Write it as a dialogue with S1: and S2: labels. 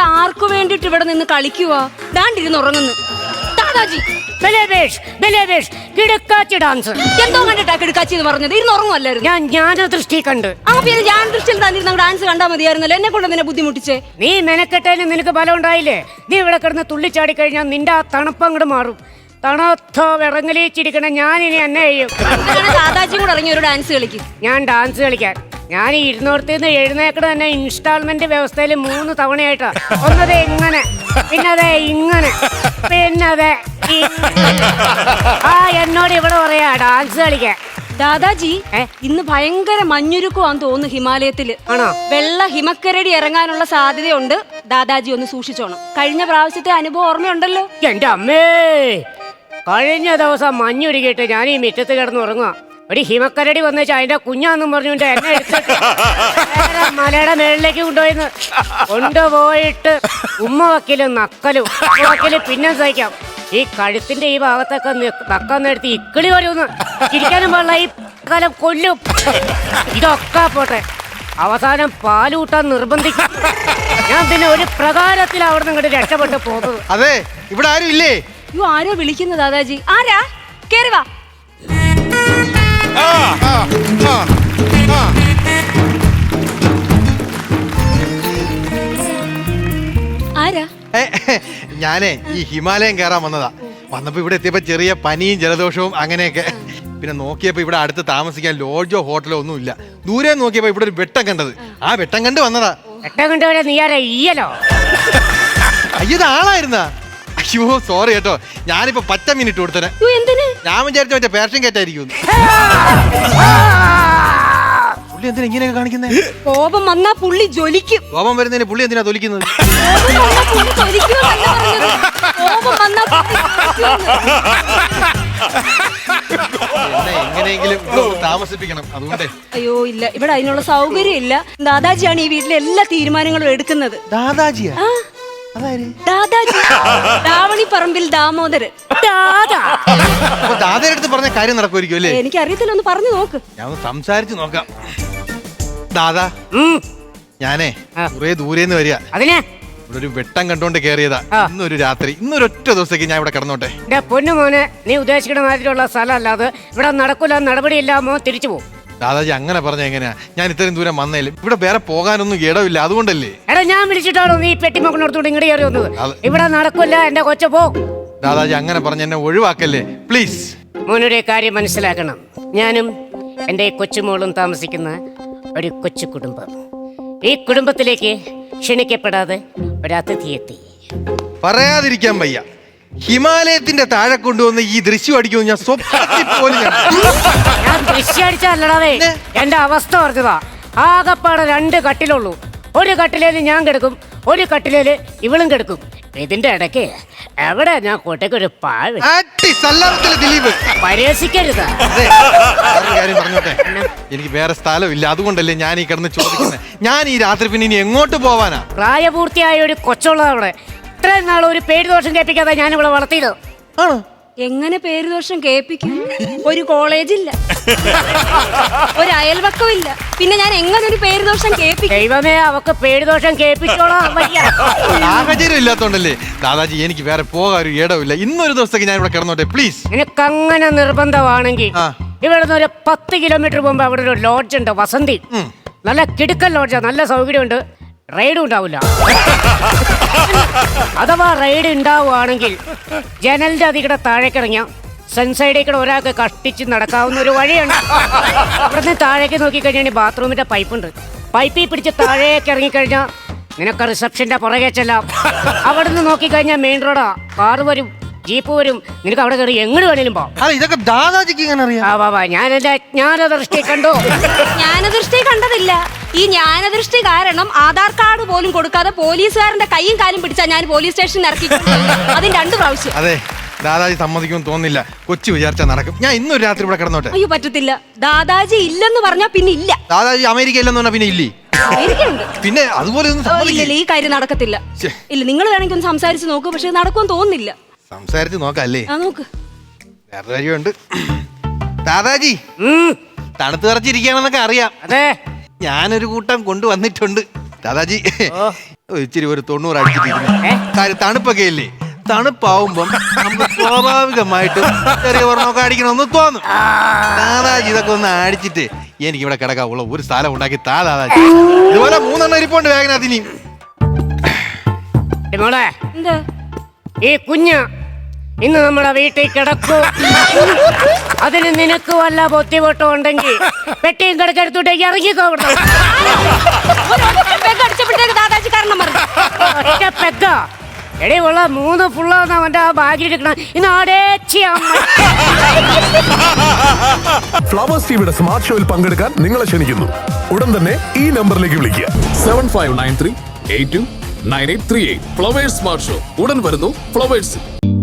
S1: ആർക്കു വേണ്ടിട്ട് ഇവിടെ നിന്ന് കളിക്കുവാ? ദാണ്ടിരുന്ന് ഉറങ്ങുന്നു. ദാദാജി
S2: ഡാൻസ്
S1: എന്തോ കണ്ടിട്ടാ കിടക്കാച്ചി എന്ന് പറഞ്ഞത്? ഇരുന്ന് ഉറങ്ങുമല്ലായിരുന്നു.
S2: ഞാൻ ജ്ഞാനദൃഷ്ടി കണ്ട്.
S1: ആ പിന്നെ ഞാൻ ദൃഷ്ടിയിൽ തന്നിരുന്ന ഡാൻസ് കണ്ടാൽ മതിയായിരുന്നല്ലോ. എന്നെ കൊണ്ട് നിന്നെ ബുദ്ധിമുട്ടിച്ചേ.
S2: നീ മെനക്കെട്ടതിന് നിനക്ക് ബലം ഉണ്ടായില്ലേ? നീ ഇവിടെ കിടന്ന് തുള്ളിച്ചാടി കഴിഞ്ഞാൽ നിന്റെ ആ തണുപ്പ് അങ്ങോട്ട് മാറും. തണുത്ത വിറങ്ങലിച്ചിരിക്കണം. ഞാനിനി എന്നെ ചെയ്യും.
S1: ദാദാജിയും കൂടെ ഇറങ്ങി ഒരു ഡാൻസ് കളിക്കും.
S2: ഞാൻ ഡാൻസ് കളിക്കാൻ ഞാൻ ഇരുന്നോടത്തുനിന്ന് എഴുന്നേക്കണ തന്നെ ഇൻസ്റ്റാൾമെന്റ് വ്യവസ്ഥയിൽ 3 തവണയായിട്ടാ. ഒന്നതേ ഇങ്ങനെ, പിന്നതേ ഇങ്ങനെ, പിന്നതേ ആ എന്നോട് ഇവിടെ പറയാ ഡാൻസ് കളിക്കാൻ.
S1: ദാദാജി ഇന്ന് ഭയങ്കര മഞ്ഞുരുക്കുവാന്ന് തോന്നുന്നു ഹിമാലയത്തില്.
S2: ആണോ?
S1: വെള്ള ഹിമക്കരടി ഇറങ്ങാനുള്ള സാധ്യതയുണ്ട്. ദാദാജി ഒന്ന് സൂക്ഷിച്ചോണം. കഴിഞ്ഞ പ്രാവശ്യത്തെ അനുഭവം ഓർമ്മയുണ്ടല്ലോ?
S2: എന്റെ അമ്മേ, കഴിഞ്ഞ ദിവസം മഞ്ഞുരുകിയിട്ട് ഞാൻ ഈ മുറ്റത്ത് കിടന്ന് ഉറങ്ങുക. ഒരു ഹിമക്കരടി വന്നു അതിന്റെ കുഞ്ഞാന്നും പറഞ്ഞുകൊണ്ട് എന്നെ എടുത്തിട്ട് മലയുടെ മേളിലേക്ക് കൊണ്ടുപോയിട്ട് ഉമ്മ വക്കലും നക്കലും വക്കലും പിന്നെ സഹിക്കാം. ഈ കഴുത്തിന്റെ ഈ ഭാഗത്തൊക്കെ നക്കാൻ നേരത്ത് ഇക്കിളി വരുമെന്ന് ചിരിക്കാനും പാടില്ല. ഈ കാലം കൊല്ലും. ഇതൊക്കെ പോട്ടെ, അവസാനം പാലൂട്ടാൻ നിർബന്ധിക്കും. ഞാൻ പിന്നെ ഒരു പ്രകാരത്തിൽ അവിടെ നിന്ന് ഇങ്ങോട്ട് രക്ഷപ്പെട്ട് പോകുന്നത്.
S3: അതെ, ഇവിടെ ആരും ഇല്ലേ?
S1: അയ്യോ, ആരോ വിളിക്കുന്നു. ദാദാജി ആരാ? കേറി വാ. ആരാ?
S3: ഞാനേ ഈ ഹിമാലയം കയറാൻ വന്നതാ. വന്നപ്പോ ഇവിടെ എത്തിയപ്പോ ചെറിയ പനിയും ജലദോഷവും അങ്ങനെയൊക്കെ. പിന്നെ നോക്കിയപ്പോ ഇവിടെ അടുത്ത് താമസിക്കാൻ ലോഡ്ജോ ഹോട്ടലോ ഒന്നും ഇല്ല. ദൂരെ നോക്കിയപ്പോ ഇവിടെ ഒരു വെട്ടം കണ്ടത്. ആ വെട്ടം കണ്ട് വന്നതാ.
S2: വെട്ടം കണ്ടുപോലെ നീ ആരാ? ഈയലോ?
S3: അയ്യത് ആളായിരുന്നാ? അയ്യോ സോറി കേട്ടോ, ഞാനിപ്പോ 10 മിനിറ്റ് കൊടുത്തനെ. ഞാൻ വിചാരിച്ച മറ്റേ പേർഷ്യൻ കേറ്റായിരിക്കും. പുള്ളി എന്തിനാ ഇങ്ങനെയൊക്കെ കാണിക്കുന്നേ?
S1: കോപം വന്നാ പുള്ളി ജ്വലിക്കും.
S3: കോപം വരുന്നതിന് പുള്ളി എന്തിനാ തൊലിക്കുന്നത്? എങ്ങനെയെങ്കിലും താമസിപ്പിക്കണം, അതുകൊണ്ടേ.
S1: അയ്യോ ഇല്ല, ഇവിടെ അതിനുള്ള സൗകര്യം ഇല്ല. ദാദാജിയാണ് ഈ വീട്ടിലെ എല്ലാ തീരുമാനങ്ങളും എടുക്കുന്നത്.
S3: ദാദാജിയാ?
S1: ദാദാജി രാവണിപ്പറമ്പിൽ ദാമോദരൻ.
S3: ദാദയുടെ അടുത്ത് പറഞ്ഞ കാര്യം നടക്കുമായിരിക്കും അല്ലേ?
S1: എനിക്കറിയത്തില്ല, ഒന്ന് പറഞ്ഞു നോക്ക്.
S3: ഞാൻ ഒന്ന് സംസാരിച്ചു നോക്കാം. ദാദാ, ഞാനേ കുറെ ദൂരേന്ന് വരിക.
S2: അതിനെ
S3: ഇവിടെ ഒരു വെട്ടം കണ്ടോണ്ട് കേറിയതാ. ഇന്നൊരു രാത്രി, ഇന്നൊരൊറ്റ ദിവസത്തേക്ക് ഞാൻ ഇവിടെ കിടന്നോട്ടെ.
S2: പൊന്നു മോനെ, നീ ഉദ്ദേശിക്കുന്ന മാതിരിയുള്ള സ്ഥലം അല്ലാതെ ഇവിടെ നടക്കൂല, നടപടിയില്ലാമോ തിരിച്ചു പോകും.
S3: ദാദാജി അങ്ങനെ പറഞ്ഞ എങ്ങനെയാ? ഞാൻ ഇത്രയും ദൂരം വന്നേലും ഇവിടെ വേറെ പോകാനൊന്നും ഇടവില്ല, അതുകൊണ്ടല്ലേ.
S2: എടാ, ഞാൻ വിളിച്ചിട്ടാണോ നീ പെട്ടിമോക്കണോടത്തോട് ഇങ്ങോട്ട് കയറി വന്നത്? ഇവിടെ നടക്കില്ല, എന്റെ കൊച്ചു പോ.
S3: ദാദാജി അങ്ങനെ പറഞ്ഞ എന്നെ ഒഴിവാക്കല്ലേ പ്ലീസ്.
S2: മോനൊരു കാര്യം മനസ്സിലാക്കണം. ഞാനും എൻ്റെ കൊച്ചുമോളും താമസിക്കുന്ന ഒരു കൊച്ചു കുടുംബം. ഈ കുടുംബത്തിലേക്ക് ക്ഷണിക്കപ്പെടാതെ ഒരു അതിഥി എത്തി.
S3: പറയാതിരിക്കാൻ വയ്യ, ഹിമാലയത്തിന്റെ താഴെ കൊണ്ടുവന്ന് ഈ ദൃശ്യം അടിക്കുമെന്ന് ഞാൻ സ്വപ്നത്തിൽ പോലും
S2: ഞാൻ ദൃശ്യം അടിച്ചല്ലടാവേ, എന്റെ അവസ്ഥ പറഞ്ഞതാ. ആകപ്പാടെ 2 കട്ടിലുള്ളൂ. ഒരു കട്ടിലേല് ഞാൻ കിടക്കും, ഒരു കട്ടിലേല് ഇവളും കിടക്കും. ഇതിന്റെ ഇടയ്ക്ക് എവിടെ ഞാൻ കോട്ടയ്ക്കൊരു പാഴ് പരിഹസിക്കരുത്.
S3: കാര്യം പറഞ്ഞോട്ടെ, എനിക്ക് വേറെ സ്ഥലമില്ല, അതുകൊണ്ടല്ലേ ഞാൻ ഈ കിടന്ന് ചോദിക്കുന്നത്. ഞാൻ ഈ രാത്രി പിന്നെ ഇനി എങ്ങോട്ട് പോവാനാ?
S2: പ്രായപൂർത്തിയായ ഒരു കൊച്ചുള്ളത് അവിടെ. ഇത്രയും നാൾ ഒരു പേര് ദോഷം കേൾപ്പിക്കാതെ ഞാൻ ഇവിടെ വളർത്തിയത്.
S3: ആണോ?
S1: എങ്ങനെ പേര് ദോഷം കേൾപ്പിക്കും? ഒരു കോളേജില്ല, ഒരു അയൽവക്കമില്ല, പിന്നെ ഞാൻ എങ്ങനെ ഒരു പേര് ദോഷം കേൾപ്പിക്കും?
S2: ദൈവമേ, അവക്ക് പേര് ദോഷം കേൾപ്പിച്ചോളാം.
S3: സാഹചര്യം ഇല്ലാത്തോണ്ടല്ലേ ദാദാജി, എനിക്ക് വേറെ പോകാൻ ഒരു ഇടവില്ല. ഇന്നൊരു ദിവസത്തേക്ക് ഞാൻ ഇവിടെ കിടന്നോട്ടെ പ്ലീസ്.
S2: നിനക്കങ്ങനെ നിർബന്ധമാണെങ്കിൽ ഇവിടെ നിന്ന് ഒരു 10 കിലോമീറ്റർ മുമ്പ് അവിടെ ഒരു ലോഡ്ജ് ഉണ്ട്, വസന്തി. നല്ല കിടുക്കൻ ലോഡ്ജാ, നല്ല സൗകര്യമുണ്ട്. റൈഡ് ഉണ്ടാവില്ല. അഥവാ റൈഡ് ഉണ്ടാവുകയാണെങ്കിൽ ജനലിന്റെ അതികൂടെ താഴേക്കിറങ്ങിയ സൺസൈഡിൽ ഒരാൾക്ക് കഷ്ടിച്ച് നടക്കാവുന്ന ഒരു വഴിയാണ്. അവിടുന്ന് താഴേക്ക് നോക്കിക്കഴിഞ്ഞാൽ ബാത്റൂമിന്റെ പൈപ്പുണ്ട്. പൈപ്പിൽ പിടിച്ച് താഴേക്ക് ഇറങ്ങിക്കഴിഞ്ഞാൽ നിനക്ക് റിസപ്ഷന്റെ പുറകെ ചെല്ലാം. അവിടെ നിന്ന് നോക്കിക്കഴിഞ്ഞാൽ മെയിൻ റോഡാ, കാറ് വരും, ജീപ്പ് വരും. നിനക്ക് അവിടെ കയറി എങ്ങോട്ട് വേണേലും പോ.
S3: ഇതൊക്കെ ദാദാജിക്ക് ഇങ്ങനെ അറിയാം?
S2: ഞാൻ എന്റെ ജ്ഞാനദൃഷ്ടി കണ്ടു.
S1: ജ്ഞാനദൃഷ്ടി കണ്ടതില്ല. ഈ ജ്ഞാനദൃഷ്ടി കാരണം ആധാർ കാർഡ് പോലും കൊടുക്കാതെ പോലീസുകാരന്റെ കൈയും കാലും പിടിച്ചാ ഞാൻ പോലീസ് സ്റ്റേഷനിൽ ഇറക്കി. അതിന് 2 പ്രാവശ്യം.
S3: അതെ, ദാദാജി സമ്മതിക്കുമെന്ന് തോന്നുന്നില്ല. കൊച്ചു വിചാരിച്ചാൽ നടക്കും. ഞാൻ ഇന്നൊരു രാത്രി ഇവിടെ കിടന്നോട്ടെ.
S1: അയ്യോ പറ്റത്തില്ല. ദാദാജി ഇല്ലെന്ന് പറഞ്ഞാ പിന്നെ ഇല്ല.
S3: ദാദാജി അമേരിക്ക ഇല്ലെന്ന് പറഞ്ഞാ പിന്നെ ഇല്ലേ? പിന്നെ അതുപോലെ
S1: ഇല്ല, ഈ കാര്യം നടക്കത്തില്ല. ഇല്ല, നിങ്ങൾ വേണമെങ്കിൽ ഒന്ന് സംസാരിച്ച് നോക്കൂ, പക്ഷെ നടക്കുമെന്ന് തോന്നുന്നില്ല.
S3: സംസാരിച്ച് നോക്കല്ലേ?
S1: നോക്ക്.
S3: വേറെ കാര്യമുണ്ട്. ദാദാജി തണുത്ത് വിറച്ചിരിക്കുകയാണെന്നൊക്കെ അറിയാം.
S2: അതെ,
S3: ഞാനൊരു കൂട്ടം കൊണ്ടുവന്നിട്ടുണ്ട്. ദാദാജി ഇച്ചിരി ഒരു 90 അടിച്ചിട്ടിരിക്കുന്നു. കാര്യം തണുപ്പൊക്കെ ഇല്ലേ, തണുപ്പാവുമ്പം നമുക്ക് സ്വാഭാവികമായിട്ടും ചെറിയ ഒരെണ്ണമൊക്കെ അടിക്കണമെന്ന് തോന്നും. ദാദാജി ഇതൊക്കെ ഒന്ന് അടിച്ചിട്ട് എനിക്ക് ഇവിടെ കിടക്കാവുള്ള ഒരു സ്ഥലം ഉണ്ടാക്കി ദാദാജി. ഇതുപോലെ 3 ഇരിപ്പുണ്ട് വേഗനകത്ത്. ഇനിയും
S2: മോളെ,
S1: എന്താ
S2: ഈ കുഞ്ഞ് ഇന്ന് നമ്മുടെ വീട്ടിൽ കിടക്കൂ. അതിന് നിനക്ക് വല്ല ബുദ്ധിമുട്ടും ഉണ്ടെങ്കിൽ പെട്ടിയും കിടക്കെടുത്തോട്ട് ഇറങ്ങിക്കോ.
S1: അടിച്ചപ്പോഴത്തേക്ക് ദാദാജി കാരണം പറഞ്ഞു.
S2: പെക്ക എടേ ഉള്ള 3 ഫുള്ളാന്ന് അവന്റെ ആ ബാഗിൽ എടുക്കണം. ഇന്ന്
S4: ഫ്ലവേഴ്സ് ടിവിയുടെ സ്മാർട്ട് ഷോയിൽ പങ്കെടുക്കാൻ നിങ്ങളെ ക്ഷണിക്കുന്നു. ഉടൻ തന്നെ ഈ നമ്പറിലേക്ക് വിളിക്കുക.
S5: 7593829838. ഫ്ലവേഴ്സ് സ്മാർട്ട് ഷോ ഉടൻ വരുന്നു ഫ്ലവേഴ്സ്.